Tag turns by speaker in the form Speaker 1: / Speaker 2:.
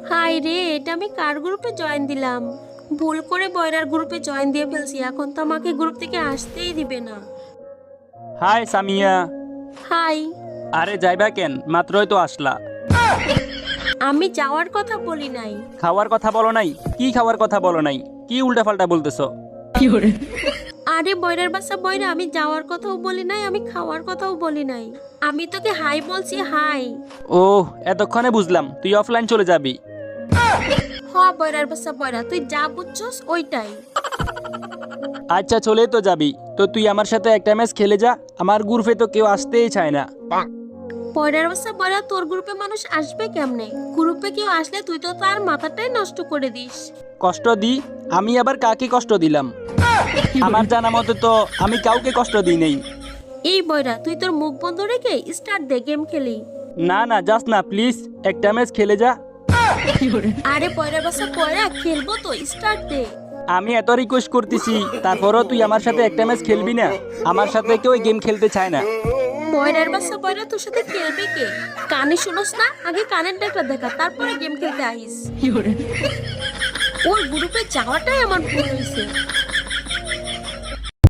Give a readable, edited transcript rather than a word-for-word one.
Speaker 1: High রে, এটা আমি কার গ্রুপে জয়েন দিলাম? ভুল করে বয়রার গ্রুপে জয়েন দিয়ে ফেলছি। এখন তো আমাকে গ্রুপ থেকে আসতেই দিবে না।
Speaker 2: হাই সামিয়া।
Speaker 1: হাই।
Speaker 2: আরে যাইবা কেন? মাত্রই তো আসলা।
Speaker 1: আমি যাওয়ার কথা বলি নাই।
Speaker 2: খাওয়ার কথা বলো নাই? কি খাওয়ার কথা বলো নাই? কি উল্টাপাল্টা বলতেছো?
Speaker 1: আরে বয়রার বাচ্চা বয়রা, আমি যাওয়ার কথাও বলি নাই, আমি খাওয়ার কথাও বলি নাই। আমি তোকে হাই বলছি, হাই।
Speaker 2: ওহ, এতক্ষণে বুঝলাম তুই অফলাইন চলে যাবি।
Speaker 1: হ বয়রার বাচ্চা বয়রা, তুই যা বুঝছস ওইটাই।
Speaker 2: আচ্ছা চলেই তো যাবি, তো তুই আমার সাথে একটা ম্যাচ খেলে যা। আমার গ্রুপে তো কেউ আসতেই চায় না।
Speaker 1: বয়রার বাচ্চা বয়রা, তোর গ্রুপে মানুষ আসবে কেমনে? গ্রুপে কেউ আসলে তুই তো তার মাথাটাই নষ্ট করে দিস।
Speaker 2: কষ্ট দি? আমি আবার কাকে কষ্ট দিলাম? আমার জানা মতে তো আমি কাউকে কষ্ট দিই নেই।
Speaker 1: এই বয়রা, তুই তোর মুখ বন্ধ রেখে স্টার্ট দে, গেম খেলি।
Speaker 2: না না, যাস না প্লিজ, একটা ম্যাচ খেলে যা।
Speaker 1: আরে বয়রার বাচ্চা বয়রা, খেলবো তো, স্টার্ট দে।
Speaker 2: আমি এত রিকোয়েস্ট করতেছি, তারপরও তুই আমার সাথে একটা ম্যাচ খেলবি না? আমার সাথে কেউ গেম খেলতে চায় না।
Speaker 1: বয়রার বাচ্চা বয়রা, তোর সাথে খেলবে কে? কানে শুনোস না? আগে কানের ডাকটা দেখা, তারপরে গেম খেলতে আইস। ওর গ্রুপে যাওয়াটাই আমার ভুল হয়েছে।